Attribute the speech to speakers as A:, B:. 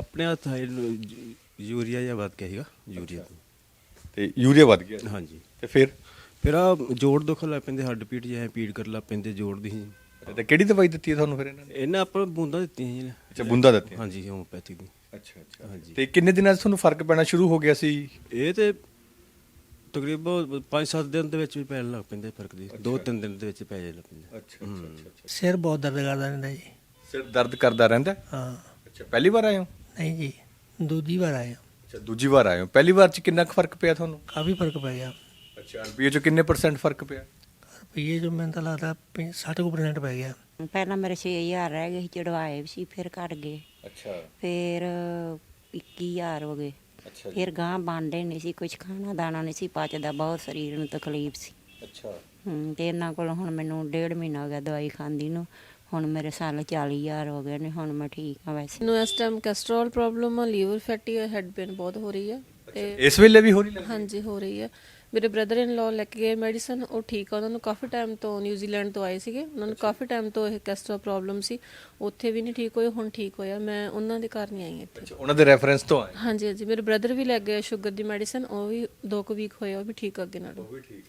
A: ਆਪਣੇ ਹੱਥ ਯੂਰੀਆ ਜਿਹਾ ਵੱਧ ਗਿਆ ਸੀਗਾ ਯੂਰੀਆ ਤੋਂ।
B: ਤੇ ਯੂਰੀਆ ਵੱਧ ਗਿਆ
A: ਹਾਂਜੀ
B: ਤੇ ਫਿਰ
A: ਆ ਜੋੜ ਦੁਖਣ ਲੱਗ ਪੈਂਦੇ, ਹੱਡ ਪੀੜ ਜਿਹਾ ਪੀੜ ਕਰਨ ਲੱਗ ਪੈਂਦੇ ਜੋੜ ਦੀ ਸੀ।
B: ਤੇ ਕਿਹੜੀ ਦਵਾਈ ਦਿੱਤੀ ਹੈ ਤੁਹਾਨੂੰ ਫਿਰ ਇਹਨਾਂ ਨੇ?
A: ਇਹਨਾਂ ਆਪਾਂ ਨੂੰ ਬੂੰਦਾਂ ਦਿੱਤੀਆਂ ਜੀ।
B: ਅੱਛਾ, ਬੂੰਦਾਂ ਦਿੱਤੀਆਂ।
A: ਹਾਂਜੀ, ਹੋਮੋਪੈਥਿਕ ਦੀ।
B: ਅੱਛਾ
A: ਹਾਂਜੀ।
B: ਤੇ ਕਿੰਨੇ ਦਿਨਾਂ 'ਚ ਤੁਹਾਨੂੰ ਫਰਕ ਪੈਣਾ ਸ਼ੁਰੂ ਹੋ ਗਿਆ ਸੀ?
A: ਇਹ ਤੇ ਤਕਰੀਬਨ 5-7 ਦਿਨ ਦੇ ਵਿੱਚ ਵੀ ਪੈਣ ਲੱਗ ਪੈਂਦੇ ਫਰਕ ਦੀ, 2-3 ਦਿਨ ਦੇ ਵਿੱਚ ਪੈ ਜਾਣ ਲੱਗ ਪੈਂਦਾ।
B: ਅੱਛਾ।
C: ਸਿਰ ਬਹੁਤ ਦਰਦ ਕਰਦਾ ਰਹਿੰਦਾ ਜੀ।
B: ਸਿਰ ਦਰਦ ਕਰਦਾ ਰਹਿੰਦਾ?
C: ਹਾਂ।
B: ਅੱਛਾ, ਪਹਿਲੀ ਵਾਰ ਆਏ ਹੋ?
C: ਨਹੀਂ ਜੀ, ਦੂਜੀ ਵਾਰ ਆਇਆ।
B: ਅੱਛਾ, ਦੂਜੀ ਵਾਰ ਆਏ ਹੋ। ਪਹਿਲੀ ਵਾਰ 'ਚ ਕਿੰਨਾ ਕੁ ਫਰਕ ਪਿਆ ਤੁਹਾਨੂੰ?
C: ਕਾਫੀ ਫਰਕ ਪੈ ਗਿਆ।
B: ਅੱਛਾ, ਰੁਪਈਏ 'ਚ ਕਿੰਨੇ % ਫਰਕ ਪਿਆ?
C: ਰੁਪਈਏ ਜੋ ਮੈਨੂੰ ਤਾਂ ਲੱਗਦਾ 60% ਪੈ ਗਿਆ।
D: ਪਹਿਲਾਂ ਮੇਰੇ 6000 ਰਹਿ ਗਏ ਸੀ, ਚੜਵਾਏ ਵੀ ਸੀ, ਫਿਰ ਘਟ ਗਏ,
B: ਅੱਛਾ
D: ਫਿਰ 21000 ਹੋ ਗਏ,
B: ਅੱਛਾ
D: ਫਿਰ ਗਾਂ ਬਣਦੇ ਨਹੀਂ ਸੀ, ਕੁਝ ਖਾਣਾ ਦਾਣਾ ਨਹੀਂ ਸੀ ਪਚਦਾ, ਬਹੁਤ ਸਰੀਰ ਨੂੰ ਤਕਲੀਫ ਸੀ।
B: ਅੱਛਾ
D: ਤੇ ਇਹਨਾਂ ਕੋਲ ਹੁਣ ਮੈਨੂੰ 1.5 ਮਹੀਨਾ ਹੋ ਗਿਆ ਦਵਾਈ ਖਾਂਦੀ ਨੂੰ, ਹੁਣ ਮੇਰੇ ਸਾਲ 40,000 ਹੋ ਗਏ ਨੇ, ਹੁਣ ਮੈਂ ਠੀਕ ਹਾਂ ਵੈਸੇ।
E: ਮੈਨੂੰ ਇਸ ਟਾਈਮ ਕੈਸਟਰੋਲ ਪ੍ਰੋਬਲਮ ਆ, ਲੀਵਰ ਫੈਟੀ ਹੈ, ਹੈਡ ਪੇਨ ਬਹੁਤ ਹੋ ਰਹੀ ਹੈ ਤੇ
B: ਇਸ ਵੇਲੇ ਵੀ ਹੋ ਰਹੀ?
E: ਹਾਂਜੀ ਹੋ ਰਹੀ ਹੈ। ਮੇਰੇ ਬ੍ਰਦਰ ਇਨ ਲਾਅ ਲੈ ਕੇ ਗਏ ਮੈਡੀਸਨ, ਉਹ ਠੀਕ ਆ। ਉਹਨਾਂ ਨੂੰ ਕਾਫੀ ਟਾਈਮ ਤੋਂ ਨਿਊਜ਼ੀਲੈਂਡ ਤੋਂ ਆਏ ਸੀਗੇ, ਉਹਨਾਂ ਨੂੰ ਕਾਫੀ ਟਾਈਮ ਤੋਂ ਇਹ ਕੈਸਟਰੋਲ ਪ੍ਰੋਬਲਮ ਸੀ, ਉੱਥੇ ਵੀ ਨਹੀਂ ਠੀਕ ਹੋਏ, ਹੁਣ ਠੀਕ ਹੋਇਆ। ਮੈਂ ਉਹਨਾਂ ਦੇ ਘਰ ਨਹੀਂ ਆਈ ਇੱਥੇ।
B: ਅੱਛਾ, ਉਹਨਾਂ ਦੇ ਰੈਫਰੈਂਸ ਤੋਂ ਆਏ?
E: ਹਾਂਜੀ। ਮੇਰੇ ਬ੍ਰਦਰ ਵੀ ਲੈ ਗਏ ਸ਼ੂਗਰ ਦੀ ਮੈਡੀਸਨ, ਉਹ ਵੀ 2 ਵੀਕ ਹੋਏ, ਉਹ ਵੀ ਠੀਕ ਅੱਗੇ ਨਾਲੋਂ।